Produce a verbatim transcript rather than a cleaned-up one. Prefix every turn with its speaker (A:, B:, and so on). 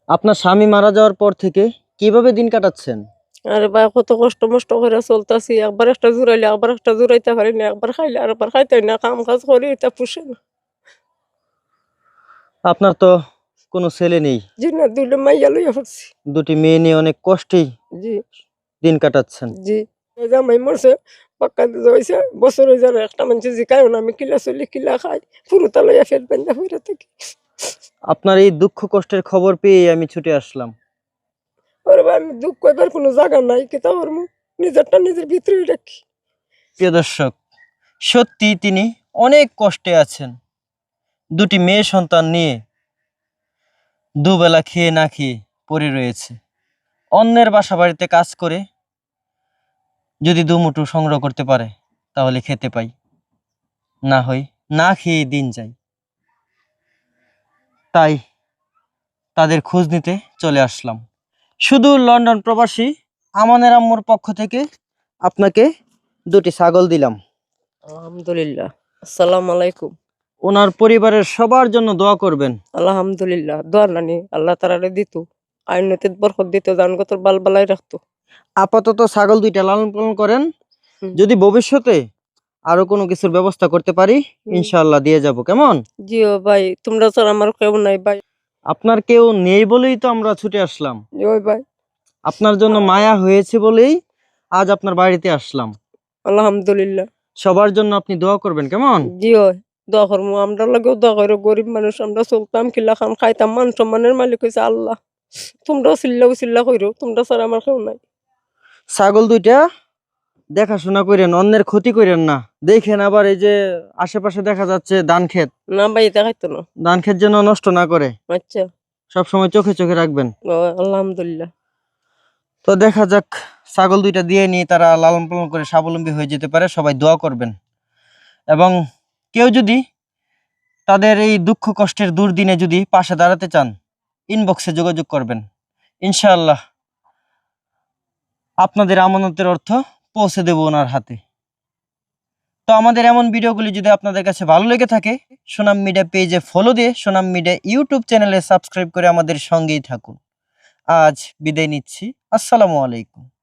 A: আপনার স্বামী মারা যাওয়ার পর থেকে কিভাবে দিন কাটাচ্ছেন?
B: আরে ভাই কত কষ্ট মষ্ট করে চলতেছি, একবার একটা জুড়াইলে আবার একটা জুড়াইতে পারি না, একবার খাইলে আর একবার খাইতে না, কাম কাজ করি এটা পুষে না।
A: আপনার তো কোনো ছেলে নেই,
B: জি না, দুইটা মাইয়া লইয়া পড়ছি।
A: দুটি মেয়ে নিয়ে অনেক কষ্টেই
B: জি
A: দিন কাটাচ্ছেন।
B: জি এই জামাই মরছে, পাক্কা দিতে হয়েছে বছর হয়ে যাবে, একটা মানুষ জিকায় না, আমি কিলা চলি কিলা খাই, ফুরুতা লইয়া ফের বেঁধা হইরা থাকি।
A: আপনার এই দুঃখ কষ্টের খবর পেয়ে আমি ছুটে আসলাম।
B: ওরে ভাই আমি দুঃখ কইবার কোনো জায়গা নাই, কেতা করবো, নিজেরটা নিজের ভিতরেই রাখি।
A: প্রিয় দর্শক, সত্যি তিনি অনেক কষ্টে আছেন। দুটি মেয়ে সন্তান নিয়ে দুবেলা খেয়ে না খেয়ে পড়ে রয়েছে। অন্যের বাসা বাড়িতে কাজ করে যদি দুমুঠো সংগ্রহ করতে পারে তাহলে খেতে পাই, না হয় না খেয়ে দিন যায়। তাই তাদের খোঁজ নিতে চলে আসলাম। শুধু লন্ডন প্রবাসী আমানের আম্মুর পক্ষ থেকে আপনাকে দুটি ছাগল দিলাম।
B: আলহামদুলিল্লাহ, আসসালামু আলাইকুম।
A: ওনার পরিবারের সবার জন্য দোয়া করবেন।
B: আলহামদুলিল্লাহ, দোয়া নানি আল্লাহ তাআলা দিত, আইনতে বরকত দিত, জানগতর বাল বালাই রাখতো।
A: আপাতত ছাগল দুইটা লালন পালন করেন,
B: হুম।
A: যদি ভবিষ্যতে আরো কোনো কিছুর ব্যবস্থা করতে পারি
B: হুম।
A: ইনশাআল্লাহ দিয়ে যাব। কেমন?
B: জিও ভাই, তোমরা ছাড়া আমার কেউ নাই ভাই।
A: আপনার কেউ নেই বলেই তো আমরা ছুটে আসলাম।
B: ওই ভাই,
A: আপনার জন্য মায়া হয়েছে বলেই আজ আপনার বাড়িতে আসলাম।
B: আলহামদুলিল্লাহ।
A: সবার জন্য আপনি দোয়া করবেন, কেমন?
B: জিও দোয়া করবো, আমরা লাগেও দোয়া করো, গরিব মানুষ আমরা চলতাম কিলা খাম খাইতাম, মান সম্মানের মালিক হয়েছে আল্লাহ। তোমরাও চিল্লা চিল্লা কইরো, তোমরা ছাড়া আমার কেউ নাই।
A: ছাগল দুইটা দেখাশোনা করেন, অন্যের ক্ষতি করেন না। দেখেন আবার এই যে আশেপাশে দেখা যাচ্ছে ধান ক্ষেত,
B: না ভাই এটা খাইতো না।
A: ধান ক্ষেত যেন নষ্ট না করে,
B: আচ্ছা।
A: সব সময় চোখে চোখে রাখবেন।
B: ও, আলহামদুলিল্লাহ।
A: তো দেখা যাক, ছাগল দুইটা দিয়ে নিয়ে তারা লালন পালন করে স্বাবলম্বী হয়ে যেতে পারে। সবাই দোয়া করবেন, এবং কেউ যদি তাদের এই দুঃখ কষ্টের দুর্দিনে যদি পাশে দাঁড়াতে চান ইনবক্সে যোগাযোগ করবেন, ইনশাআল্লাহ আপনাদের আমানতের অর্থ পৌঁছে দেব ওনার হাতে। তো আমাদের এমন ভিডিওগুলি যদি আপনাদের কাছে ভালো লেগে থাকে, সোনাম মিডিয়া পেজে ফলো দিয়ে সোনাম মিডিয়া ইউটিউব চ্যানেলে সাবস্ক্রাইব করে আমাদের সঙ্গেই থাকুন। আজ বিদায় নিচ্ছি, আসসালামু আলাইকুম।